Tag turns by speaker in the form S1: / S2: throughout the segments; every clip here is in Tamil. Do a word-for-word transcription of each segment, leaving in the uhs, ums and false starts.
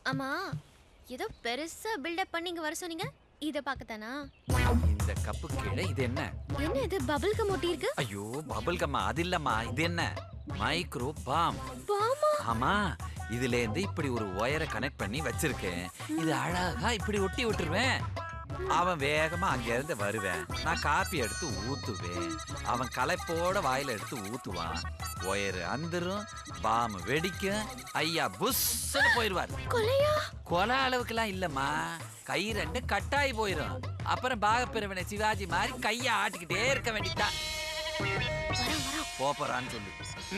S1: ஆமா, ஏதோ பெருசா பில்டப் பண்ணி இங்க வர சொன்னீங்க. இத பார்க்கத்தானா?
S2: இந்த கப்பு கீழே இது என்ன?
S1: என்ன இது பபிள் கம் ஒட்டி இருக்கு?
S2: ஐயோ பபிள் கம்மா, அது இல்லம்மா. இது என்ன? Micro bomb.
S1: பாமா?
S2: ஆமா, இதுல இருந்து இப்படி ஒரு ஒயரை கனெக்ட் பண்ணி வச்சிருக்கேன். இது அழகா இப்படி ஒட்டி விட்டுருவேன். அவன் வேகமா அங்க இருந்து வருவேன். நான் காப்பி எடுத்து ஊத்துவேன். அவன் களைப்போட வாயில எடுத்து ஊத்துவான். ஒயரு அந்துரும், பாம் வெடிக்கும். ஐயா புஷ்ன்னு போயிருவார்.
S1: கொலையா?
S2: கொலை அளவுக்குலாம் இல்லம்மா, கை ரெண்டு கட்டாயி போயிரும். அப்புறம் பாகப்பிரிவினை சிவாஜி மாதிரி கையை ஆட்டிக்கிட்டே இருக்க வேண்டியதான். போறான்னு சொல்லு.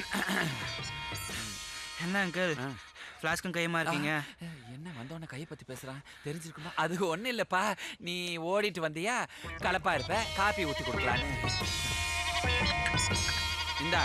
S3: என்ன அங்கிள் ஃப்ளாஸ்க்கும் கையமா இருக்கீங்க?
S2: என்ன வந்தவன கையை பத்தி பேசுறான், தெரிஞ்சிருக்குமா? அது ஒண்ணு இல்லப்பா, நீ ஓடிட்டு வந்தியா, கலப்பா இருப்ப, காப்பி ஊத்தி கொடுக்கலான்னு. இந்தா.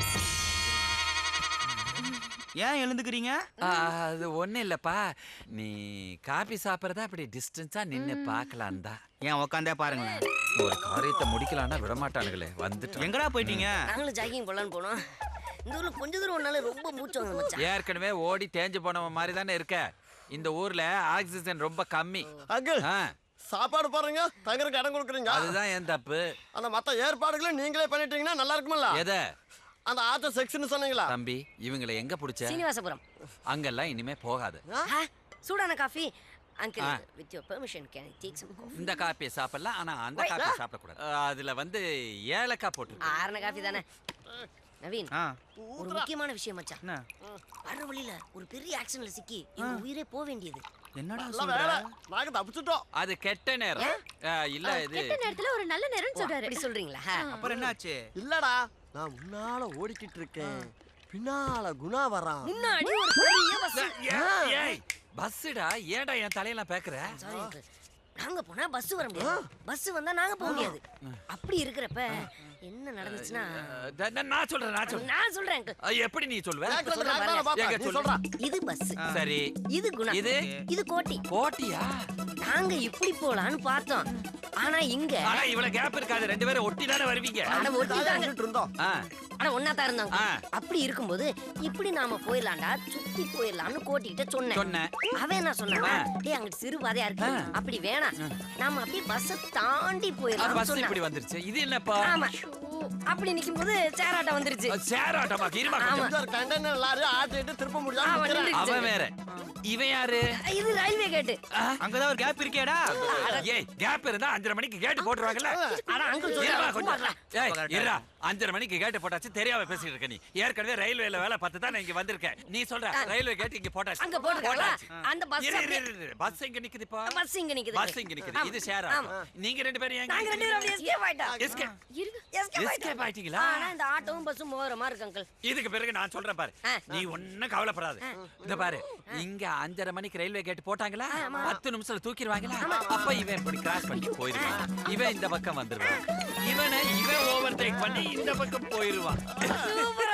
S3: ஏன் எழுந்துக்கிறீங்க?
S2: அது ஒண்ணு இல்லப்பா, நீ காப்பி சாப்பிட்றதா அப்படி டிஸ்டன்ஸா நின்னு பாக்கலாம் தான்.
S3: ஏன் உக்காந்தே பாருங்களேன்.
S2: ஒரு காரியத்தை முடிக்கலான்னா விடமாட்டானுங்களே. வந்துட்டு
S3: எங்கடா போயிட்டீங்க?
S4: நாங்களும் ஜாகிங் போலான்னு போனோம். இந்த ஊர்ல கொஞ்ச தூரம் ஒன்னால ரொம்ப மூச்சு வாங்க மச்சான்.
S2: ஏற்கனவே ஓடி தேஞ்சு போனவன் மாதிரி தானே இருக்க. இந்த ஊர்ல ஆக்சிஜன் ரொம்ப கம்மி.
S5: அங்கிள் சாப்பாடு பாருங்க, தங்கறதுக்கு இடம் கொடுக்குறீங்க.
S2: அதுதான் ஏன் தப்பு.
S5: அந்த மத்த ஏற்பாடுகளை நீங்களே பண்ணிட்டீங்கன்னா நல்லா இருக்கும்ல.
S2: எதை?
S5: அந்த ஆத்த செக்ஷன் சொன்னீங்களா?
S2: தம்பி, இவங்களை எங்க புடிச்ச?
S4: சீனிவாசபுரம்.
S2: அங்கெல்லாம் இனிமே போகாது.
S4: சூடான coffee. Uncle, with your permission can I take some coffee?
S2: இந்த காப்பியை சாப்பிடலாம், ஆனா அந்த காப்பியை சாப்பிடக்கூடாது. அதுல வந்து ஏலக்காய் போட்டு.
S4: ஆறன காஃபி தானே. நவீன், ஒரு முக்கியமான விஷயம் மச்சான்.
S3: என்ன?
S4: வர வழியில ஒரு பெரிய ஆக்சிடென்ட்ல சிக்கி எங்க உயிரே போக வேண்டியது.
S3: என்னடா
S5: நல்ல
S3: சொல்ற?
S5: வேலை, நாங்க தப்பிச்சிட்டோம்.
S2: அது கெட்ட நேரம். இல்ல இது
S1: கெட்ட நேரத்துல ஒரு நல்ல நேரம் சொல்றாரு.
S4: அப்படி சொல்றீங்களா?
S3: அப்புறம் என்னாச்சு?
S5: இல்லடா, நான் முன்னால ஓடிக்கிட்டு இருக்கேன், பின்னால குணா வரான்.
S4: முன்னாடி ஒரு பெரிய பஸ்.
S2: ஏய் பஸ்டா, ஏன்டா என் தலையெல்லாம் பேக்குற?
S4: சாரி அங்கிள், நாங்க போனா பஸ் வர முடியாது, பஸ் வந்தா நாங்க போக முடியாது. அப்படி இருக்கிறப்ப என்ன நடந்துச்சுன்னா,
S2: நான் சொல்றேன் நான் சொல்றேன்
S4: நான் சொல்றேன் அங்கிள்.
S2: எப்படி நீ சொல்லுவ?
S5: கேக்குறது நான் தானே பார்த்தேன், நீ சொல்றா.
S4: இது பஸ்,
S2: சரி.
S4: இது குணா,
S2: இது
S4: இது கோட்டி.
S2: கோட்டியா?
S4: நாங்க இப்படி போலான்னு பார்த்தோம், ஆனா இங்க
S2: ஆனா இவ்வளவு கேப் இருக்காது, ரெண்டு பேரும் ஒட்டி தானே வருவீங்க.
S4: அட ஒட்டிட்டாங்க
S5: இருந்தோம்.
S4: ஆனா ஒன்னா தான் இருந்தாங்க. அப்படி இருக்கும்போது இப்படி நாம போயிடலாம்டா, சுத்தி போயிடலாம்னு கோட்டிக்கிட்ட சொன்னேன்.
S2: சொன்னேன்.
S4: அவன் என்ன சொன்னா, டேய் அங்கிட்டு சிறு பாதையா இருக்கு, அப்படி வேணாம், நாம அப்படியே பஸ் தாண்டி போயிடலாம்
S2: பஸ்
S4: சொன்னா.
S2: இப்படி வந்துருச்சு. இது என்னப்பா?
S4: ஆமா, அப்படி நிக்கும்போது சேராட்டம் வந்துருச்சு.
S2: சேராட்டமா? கிருமா
S5: கண்டெய்னர் லாரி ஆட்டிட்டு திருப்ப முடியாம
S4: அவன்
S5: நிக்கிறேன்.
S4: நின்னுச்சு.
S2: அவன் வேற, இவன் யாரு?
S4: இது ரயில்வே கேட்டு.
S3: அங்கதான் ஒரு கேப் இருக்கேடா.
S2: ஏய் கேப் இருந்தா அஞ்சரை மணிக்கு கேட் போட்டுருவாங்கல்ல.
S4: ஆனா அங்கிள்
S2: இருடா
S4: சொல்றாங்க
S2: கொஞ்சம். ஏய் இருடா, அஞ்சரை மணிக்கு கேட் போட்டாச்சு, தெரியாம பேசிட்டு இருக்க நீ. ஏற்கனவே ரயில்வேல வேலை பார்த்து தான் நான் இங்க வந்திருக்கேன். நீ சொல்ற ரயில்வே கேட் இங்க போட்டாச்சு.
S4: அங்க போட்டுருக்காங்களா? அந்த பஸ்
S2: பஸ் இங்க நிக்குதுப்பா.
S4: பஸ் இங்க நிக்குது.
S2: பஸ் இங்க நிக்குது. இது ஷேரா. நீங்க ரெண்டு பேரும் எங்க?
S4: நாங்க ரெண்டு பேரும் அப்படியே எஸ்கேப் ஆயிட்டோம்.
S2: எஸ்கேப்
S1: இருங்க.
S4: எஸ்கேப்
S2: எஸ்கேப் ஆயிட்டீங்களா?
S4: ஆனா இந்த ஆட்டோவும் பஸ்ஸும் மோதுற மாதிரி இருக்கு அங்கிள்.
S2: இதுக்கு பிறகு நான் சொல்றேன் பாரு, நீ ஒன்னும் கவலைப்படாத. இந்த பாரு, இங்க அஞ்சரை மணிக்கு ரயில்வே கேட் போட்டாங்களா, பத்து நிமிஷத்துல தூக்கிடுவாங்களா, அப்ப இவன் இப்படி கிராஸ் பண்ணி போயிருவான். இவன் இந்த பக்கம் வந்துருவான். இவனை இவன் ஓவர் டேக் பண்ணி இந்த பக்கம் போயிருவான்.
S4: சூப்பரா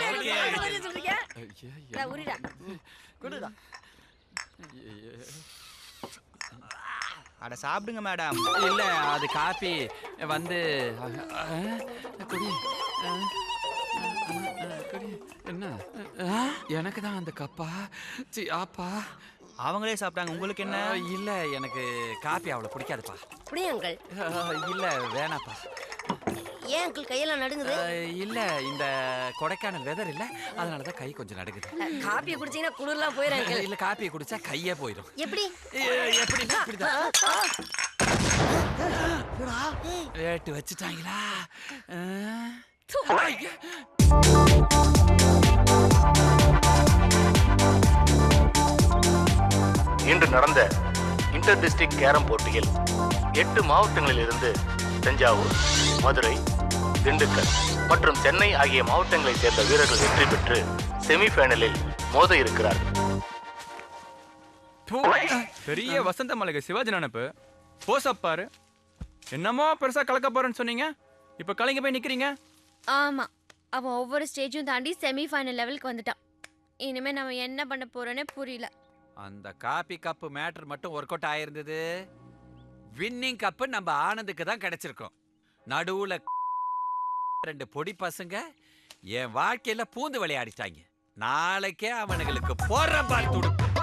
S2: எப்படி
S4: சொல்றீங்க? டா உரிடா.
S5: குடுடா.
S3: அட சாப்பிடுங்க மேடம்.
S2: இல்ல அது காபி வந்து குடி. குடி. என்ன எனக்கு தான் அந்த கப்பா? சி ஆப்பா.
S3: அவங்களே சாப்பிட்டாங்க, உங்களுக்கு என்ன?
S2: இல்ல எனக்கு காபி அவ்வளவு பிடிக்காதுப்பா.
S4: அப்படியே அங்கிள்.
S2: இல்ல வேணாப்பா.
S4: ஏன் அங்கிள் கையெல்லாம் நடுங்குது?
S2: இல்ல இந்த கொடைக்கானல் வெதர் இல்ல, அதனாலதான் கை கொஞ்சம் நடுங்குது.
S4: காப்பியை குடிச்சீங்கன்னா குளிர்லாம் போயிரும் அங்கிள்.
S2: இல்ல காப்பியை குடிச்சா கையே போயிடும்.
S4: எப்படி?
S2: எப்படி இப்படிதான் ரேட்டு வச்சுட்டாங்களா?
S6: இன்று நடந்த இன்டர் டிஸ்ட்ரிக்ட் கேரம் போட்டியில் எட்டு மாவட்டங்களில் இருந்து தஞ்சாவூர், மதுரை, திண்டுக்கல் மற்றும் சென்னை ஆகிய மாவட்டங்களைச் சேர்ந்த வீரர்கள் வெற்றி பெற்று செமிஃபைனலில் மோத இருக்கிறார்கள்.
S7: பெரிய வசந்த மலைக்கு சிவாஜி நினைப்பு போசப் பாரு. என்னமோ பெருசா கலக்க போறேன்னு சொன்னீங்க, இப்ப கலைங்க போய் நிக்கிறீங்க.
S1: ஆமா, அவன் ஒவ்வொரு ஸ்டேஜும் தாண்டி செமி ஃபைனல் லெவலுக்கு வந்துட்டான். இனிமே நம்ம என்ன பண்ண போறோன்னே புரியல.
S2: அந்த காபி கப்பு மேட்டர் மட்டும் ஒர்க் அவுட் ஆயிருந்தது, வின்னிங் கப்பு நம்ம ஆனந்துக்கு தான் கிடைச்சிருக்கோம். நடுவுல ரெண்டு பொடி பசங்க என் வாழ்க்கையில பூந்து விளையாடிட்டாங்க. நாளைக்கே அவனுங்களுக்கு போற பால் துடுப்பு.